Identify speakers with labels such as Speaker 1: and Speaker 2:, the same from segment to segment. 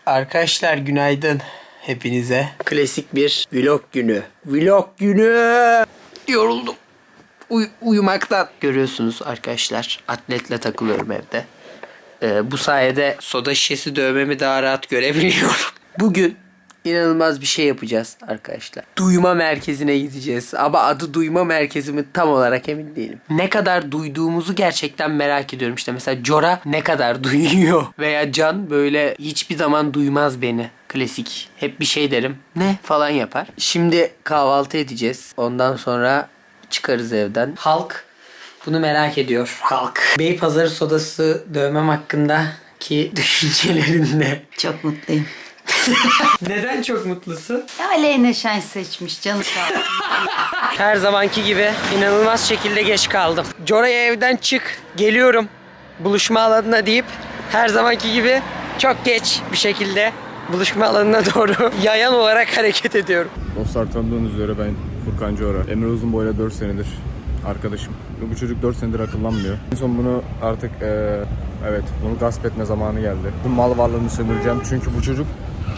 Speaker 1: Arkadaşlar günaydın hepinize. Klasik bir vlog günü. Vlog günü. Yoruldum. Uyumaktan. Görüyorsunuz arkadaşlar. Atletle takılıyorum evde. Bu sayede soda şişesi dövmemi daha rahat görebiliyorum. Bugün inanılmaz bir şey yapacağız arkadaşlar. Duyma merkezine gideceğiz. Ama adı duyma merkezi mi tam olarak emin değilim. Ne kadar duyduğumuzu gerçekten merak ediyorum. İşte mesela Jora ne kadar duyuyor. Veya Can böyle hiçbir zaman duymaz beni. Klasik. Hep bir şey derim. Ne falan yapar. Şimdi kahvaltı edeceğiz. Ondan sonra çıkarız evden. Halk bunu merak ediyor. Halk. Beypazarı sodası dövmem hakkındaki düşüncelerin ne?
Speaker 2: Çok mutluyum.
Speaker 1: Neden çok mutlusun?
Speaker 2: Ya Aleyna Şen seçmiş canı sağ olsun.
Speaker 1: Her zamanki gibi inanılmaz şekilde geç kaldım. Jora'ya evden çık, geliyorum buluşma alanına deyip her zamanki gibi çok geç bir şekilde buluşma alanına doğru yayan olarak hareket ediyorum.
Speaker 3: Dostlar, tanıdığınız üzere ben Furkan Jora. Emre Uzunboy'la 4 senedir arkadaşım. Bu çocuk 4 senedir akıllanmıyor. En son bunu artık evet, bunu gasp etme zamanı geldi. Bu mal varlığını sömüreceğim çünkü bu çocuk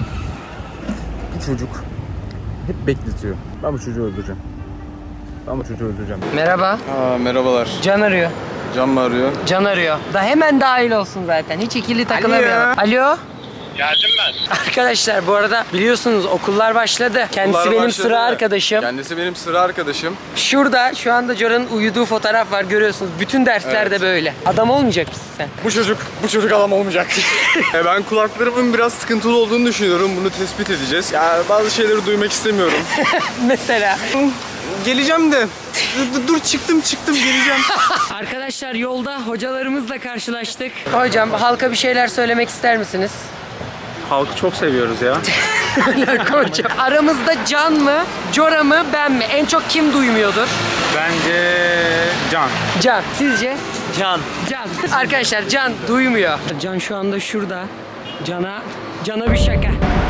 Speaker 3: hep bekletiyor. Ben bu çocuğu öldüreceğim.
Speaker 1: Merhaba.
Speaker 3: Merhabalar.
Speaker 1: Can arıyor.
Speaker 3: Can mı arıyor?
Speaker 1: Can arıyor. Da hemen dahil olsun zaten. Hiç ikili takılamayalım. Alo.
Speaker 4: Geldim ben.
Speaker 1: Arkadaşlar bu arada biliyorsunuz okullar başladı. Kendisi
Speaker 3: Okullar
Speaker 1: benim
Speaker 3: başladı.
Speaker 1: sıra arkadaşım.
Speaker 3: Kendisi benim sıra arkadaşım.
Speaker 1: Şurada şu anda Jora'nın uyuduğu fotoğraf var, görüyorsunuz. Bütün derslerde böyle. Adam olmayacak mısın sen?
Speaker 3: Bu çocuk adam olmayacak. Ben kulaklarımın biraz sıkıntılı olduğunu düşünüyorum. Bunu tespit edeceğiz. Ya bazı şeyleri duymak istemiyorum.
Speaker 1: Mesela.
Speaker 3: Geleceğim de. Dur çıktım geleceğim.
Speaker 1: Arkadaşlar yolda hocalarımızla karşılaştık. Hocam halka bir şeyler söylemek ister misiniz?
Speaker 4: Halkı çok seviyoruz ya.
Speaker 1: Hocam. Aramızda Can mı, Jora mı, ben mi? En çok kim duymuyordur?
Speaker 4: Bence Can.
Speaker 1: Can. Sizce?
Speaker 4: Can.
Speaker 1: Can. Arkadaşlar Can duymuyor. Can şu anda şurada. Can'a bir şaka.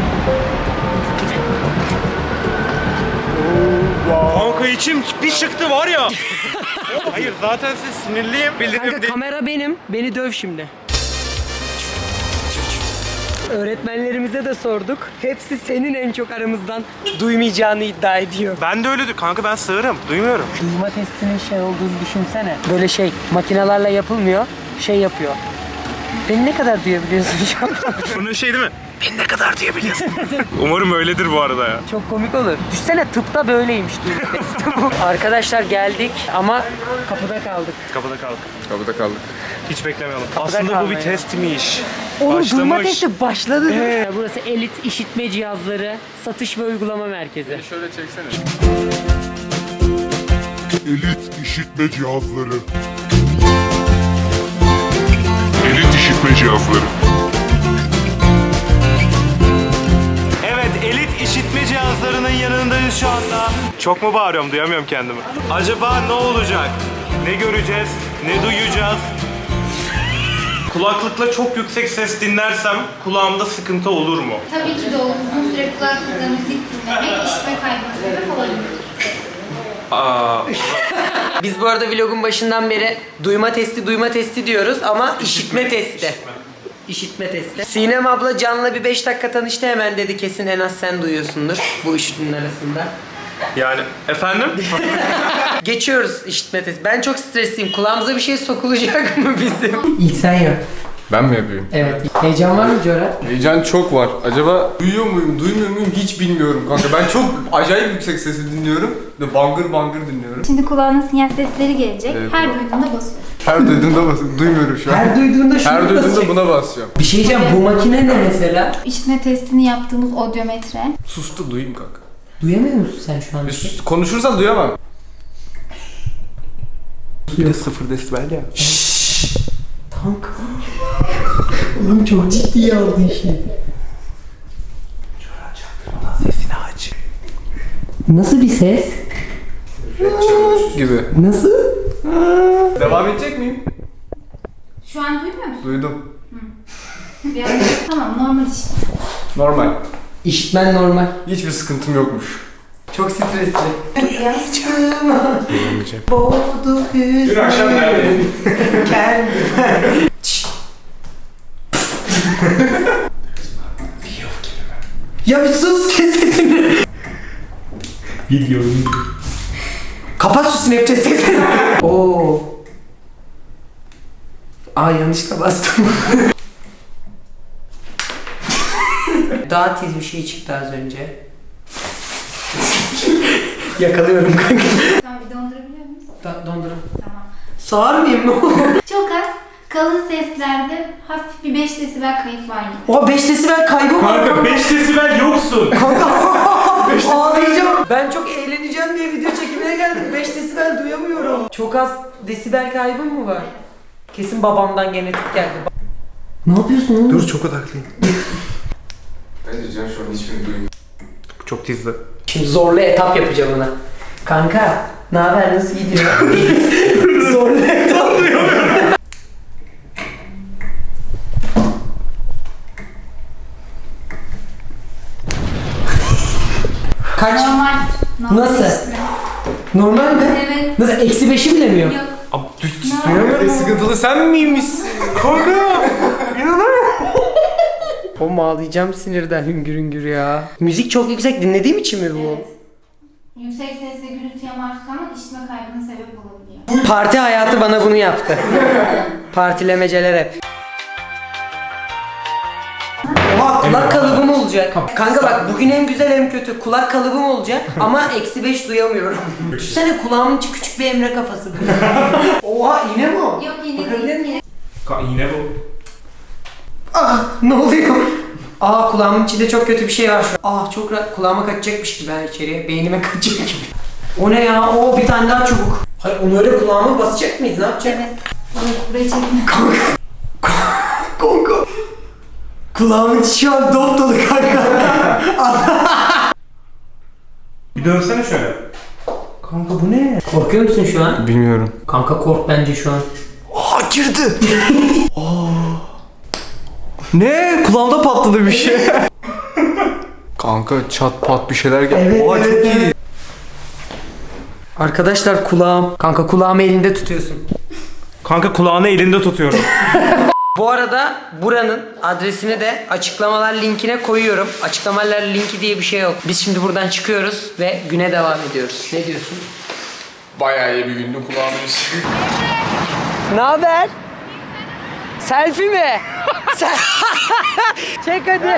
Speaker 4: Kanka içim bir çıktı var ya. Hayır zaten siz sinirliyim.
Speaker 1: Kanka kamera benim. Beni döv şimdi. Öğretmenlerimize de sorduk. Hepsi senin en çok aramızdan duymayacağını iddia ediyor.
Speaker 4: Ben de öyle kanka, ben sığırım. Duymuyorum.
Speaker 1: Duyma testinin şey olduğunu düşünsene. Böyle makinelerle yapılmıyor. Yapıyor. Beni ne kadar duyabiliyorsun şu an?
Speaker 4: Bunun şey değil mi? Beni ne kadar duyabiliyorsun? Umarım öyledir bu arada ya.
Speaker 1: Çok komik olur. Düşsene tıpta böyleymiş duyma testi bu. Arkadaşlar geldik ama kapıda kaldık.
Speaker 4: Kapıda kaldık. Hiç beklemeyelim.
Speaker 1: Kapıda
Speaker 4: Aslında bu bir
Speaker 1: kalmayın.
Speaker 4: testmiş.
Speaker 1: Oğlum duyma
Speaker 4: Başlamış.
Speaker 1: testi başladı. Burası Elit İşitme Cihazları Satış ve Uygulama Merkezi.
Speaker 3: Şöyle çeksene.
Speaker 5: Elit işitme cihazları. Elit işitme cihazları.
Speaker 4: Evet, elit işitme cihazlarının yanındayız şu anda. Çok mu bağırıyorum, duyamıyorum kendimi. Acaba ne olacak? Ne göreceğiz? Ne duyacağız? Kulaklıkla çok yüksek ses dinlersem kulağımda sıkıntı olur mu?
Speaker 6: Tabii ki de olur. Uzun süre kulaklıkla müzik dinlemek işitme kaybına sebep olabilir.
Speaker 1: Biz bu arada vlogun başından beri duyma testi diyoruz ama işitme testi. İşitme testi. Sinem abla Can'la bir 5 dakika tanıştı, hemen dedi kesin en az sen duyuyorsundur bu üçünün arasında.
Speaker 4: Yani efendim?
Speaker 1: Geçiyoruz işitme testi. Ben çok stresliyim. Kulağımıza bir şey sokulacak mı bizim? İlk sen yap.
Speaker 3: Ben mi yapayım?
Speaker 1: Evet. Heyecan var mı Jora?
Speaker 3: Heyecan çok var. Acaba duyuyor muyum, duymuyor muyum hiç bilmiyorum kanka. Ben çok acayip yüksek sesi dinliyorum. Ve bangır bangır dinliyorum.
Speaker 6: Şimdi kulağına sinyal sesleri gelecek.
Speaker 3: Evet,
Speaker 6: Her
Speaker 3: kulağım.
Speaker 6: duyduğunda basıyorsun.
Speaker 3: Her duyduğumda basıyorum. Duymuyorum şu an.
Speaker 1: Her duyduğunda şunu
Speaker 3: Her duyduğumda
Speaker 1: basacak.
Speaker 3: buna basacağım.
Speaker 1: Bir şey diyeceğim, bu makine ne mesela?
Speaker 6: İşitme testini yaptığımız odyometre.
Speaker 3: Sustu, duyayım kanka.
Speaker 1: Duyamıyor musun sen şu an?
Speaker 3: Konuşursan duyamam.
Speaker 4: Bir de 0 desibel ya.
Speaker 1: Kanka. Oğlum çok ciddiye aldı işi.
Speaker 4: Sesini aç.
Speaker 1: Nasıl bir ses?
Speaker 3: Gibi.
Speaker 1: Nasıl?
Speaker 3: Devam edecek miyim?
Speaker 6: Şu an duymuyor musun?
Speaker 3: Duydum.
Speaker 6: Bir anda- Tamam, normal işte.
Speaker 3: Normal.
Speaker 1: İşitmen normal.
Speaker 3: Hiçbir sıkıntım yokmuş.
Speaker 1: Çok stresli. Yastığıma boğdu hüzün.
Speaker 3: Dün akşam neredeydin?
Speaker 1: Kendime. Ya bir sus, kes sesini.
Speaker 4: Video.
Speaker 1: Kapat şu Snapchat sesini. Oo. Aa, yanlışlıkla bastım. Daha tiz bir şey çıktı az önce. Yakalıyorum kanka.
Speaker 6: Tamam, bir dondurabiliyor muyuz?
Speaker 1: Dondurun.
Speaker 6: Tamam.
Speaker 1: Sağır mıyım, ne olur?
Speaker 6: Çok az, kalın seslerde hafif bir 5 desibel kayıp var.
Speaker 1: O 5 desibel kaybı var.
Speaker 4: Kanka 5 desibel yoksun.
Speaker 1: Ağlayacağım. Ben çok eğleneceğim diye video çekimine geldim. 5 desibel duyamıyorum. Çok az desibel kaybım mı var? Kesin babamdan genetik geldi. Ne yapıyorsun oğlum?
Speaker 4: Dur, çok odaklıyım.
Speaker 3: Bence Can şu an hiçbirini duymuyor.
Speaker 4: Çok tizli.
Speaker 1: Şimdi zorlu etap yapacağım ona. Kanka, ne haber, nasıl gidiyor? Zorlu etap diyor. Kaç?
Speaker 6: Normal.
Speaker 1: Nasıl?
Speaker 6: işte.
Speaker 1: Normal mi?
Speaker 6: Evet.
Speaker 1: Nasıl, eksi 5'i bile mi yok?
Speaker 6: Yok.
Speaker 4: Abi duyamıyorum. Sıkıntılı sen miymişsin? Kanka.
Speaker 1: Oğlum ağlayacağım sinirden hüngür hüngür ya. Müzik çok yüksek dinlediğim için mi bu?
Speaker 6: Evet. Yüksek sesle gürültüye maruz kalmak işitme kaybına sebep olabiliyor.
Speaker 1: Parti hayatı bana bunu yaptı. Partilemeceler hep. Oha, kulak kalıbım olacak. Kanka bak, bugün hem güzel hem kötü. Kulak kalıbım olacak ama eksi 5 duyamıyorum. Düşünsene, kulağımın içi küçük bir Emre kafası. Oha, iğne mi o?
Speaker 6: Yok, yine
Speaker 1: Bakabilir
Speaker 6: değil.
Speaker 4: Yine bu.
Speaker 1: Ah, ne oluyor? Aa, kulağımın içinde çok kötü bir şey var şu an. Ah, çok rahat, kulağıma kaçacakmış gibi ben içeriye. Beynime kaçacak gibi. O ne ya? Oo, bir tane daha çubuk. Hayır, onu öyle kulağıma basacak mıyız? Ne yapacağız?
Speaker 6: Evet. Buraya çekme.
Speaker 1: Kanka. Kulağımın içi şu an dop dolu kanka.
Speaker 4: Bir dönsene şöyle.
Speaker 1: Kanka bu ne? Korkuyor musun şu an?
Speaker 3: Bilmiyorum.
Speaker 1: Kanka kork bence şu an.
Speaker 3: Aa, girdi. Ne? Kulağımda patladı bir şey. Kanka çat pat bir şeyler geldi.
Speaker 1: Evet,
Speaker 3: Oha,
Speaker 1: evet,
Speaker 3: çok iyi.
Speaker 1: evet. Arkadaşlar kulağım. Kanka kulağımı elinde tutuyorsun.
Speaker 4: Kanka kulağını elinde tutuyorum.
Speaker 1: Bu arada buranın adresini de açıklamalar linkine koyuyorum. Açıklamalar linki diye bir şey yok. Biz şimdi buradan çıkıyoruz ve güne devam ediyoruz. Ne diyorsun?
Speaker 3: Bayağı iyi bir gündü kulağımın içi.
Speaker 1: Ne haber? Selfie mi? Çek hadi.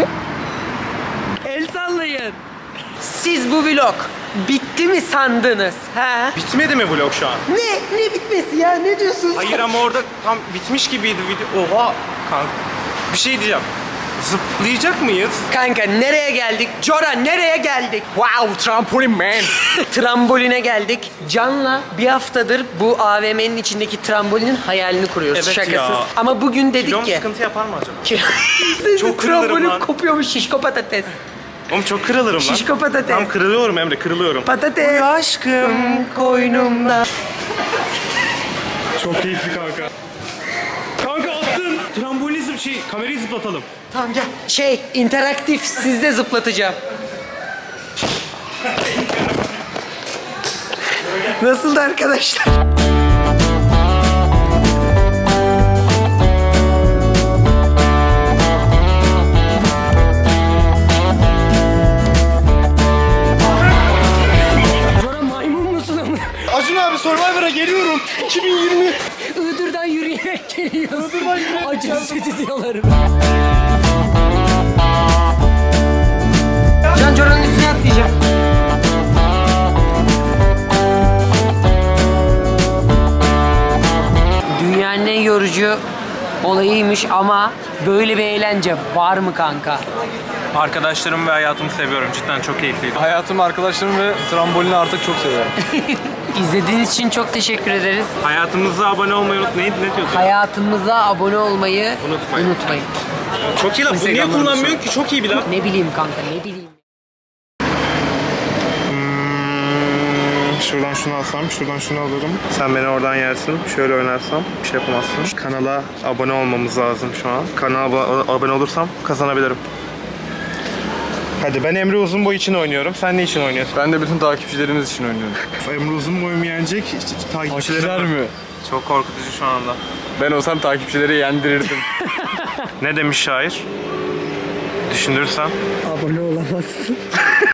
Speaker 1: El sallayın. Siz bu vlog bitti mi sandınız? He?
Speaker 4: Bitmedi mi vlog şu an?
Speaker 1: Ne bitmesi ya? Ne diyorsun sen?
Speaker 4: Hayır ama orada tam bitmiş gibiydi video. Oha kanka. Bir şey diyeceğim. Zıplayacak mıyız?
Speaker 1: Kanka nereye geldik? Cora nereye geldik?
Speaker 4: Wow, trampolin man.
Speaker 1: Tramboline geldik. Can'la bir haftadır bu AVM'nin içindeki trambolinin hayalini kuruyoruz.
Speaker 4: Evet
Speaker 1: Şakasız.
Speaker 4: ya.
Speaker 1: Ama bugün dedik
Speaker 4: Kilom
Speaker 1: ki...
Speaker 4: sıkıntı yapar mı acaba?
Speaker 1: Çok
Speaker 4: Çok kırılırım
Speaker 1: trambolin
Speaker 4: lan.
Speaker 1: kopuyormuş, şişko patates.
Speaker 4: Oğlum çok kırılırım lan.
Speaker 1: Şişko patates.
Speaker 4: Tam kırılıyorum Emre, kırılıyorum.
Speaker 1: Patates. Aşkım koynumda.
Speaker 4: Çok keyifli kanka. Kanka attın. Trambolizm kamerayı zıplatalım.
Speaker 1: Tamam gel. İnteraktif, sizde zıplatacağım. Nasıldı arkadaşlar? Cora maymun musun ama?
Speaker 4: Acun abi Survivor'a geliyorum. 2020.
Speaker 1: Iğdır'dan yürüyerek geliyorsun. Iğdır'dan yürüyerek acı stüdyoları. Can Cora'nın üstüne atlayacağım. Dünyanın en yorucu olayıymış ama böyle bir eğlence var mı kanka?
Speaker 4: Arkadaşlarımı ve hayatımı seviyorum. Cidden çok keyifliydi.
Speaker 3: Hayatımı, arkadaşlarım ve trambolini artık çok seviyorum.
Speaker 1: İzlediğiniz için çok teşekkür ederiz.
Speaker 4: Hayatımıza abone olmayı unutmayın. Ne diyorsun?
Speaker 1: Hayatımıza abone olmayı unutmayın.
Speaker 4: Çok iyi lan. Bunu niye
Speaker 3: Instagram'da
Speaker 4: kullanmıyorsun ki? Çok iyi bir laf.
Speaker 1: Ne bileyim kanka, ne bileyim.
Speaker 4: Şuradan şunu alsam, şuradan şunu alırım. Sen beni oradan yersin. Şöyle oynarsam bir şey yapamazsın. Kanala abone olmamız lazım şu an. Kanala abone olursam kazanabilirim. Hadi ben Emre Uzunboy için oynuyorum. Sen ne için oynuyorsun?
Speaker 3: Ben de bütün takipçilerimiz için oynuyorum.
Speaker 4: Emre Uzunboy'umu yenecek
Speaker 3: Takipçiler mi?
Speaker 4: Çok korkutucu şu anda.
Speaker 3: Ben olsam takipçileri yendirirdim.
Speaker 4: Ne demiş şair? düşünürsem.
Speaker 1: Abone olamazsın.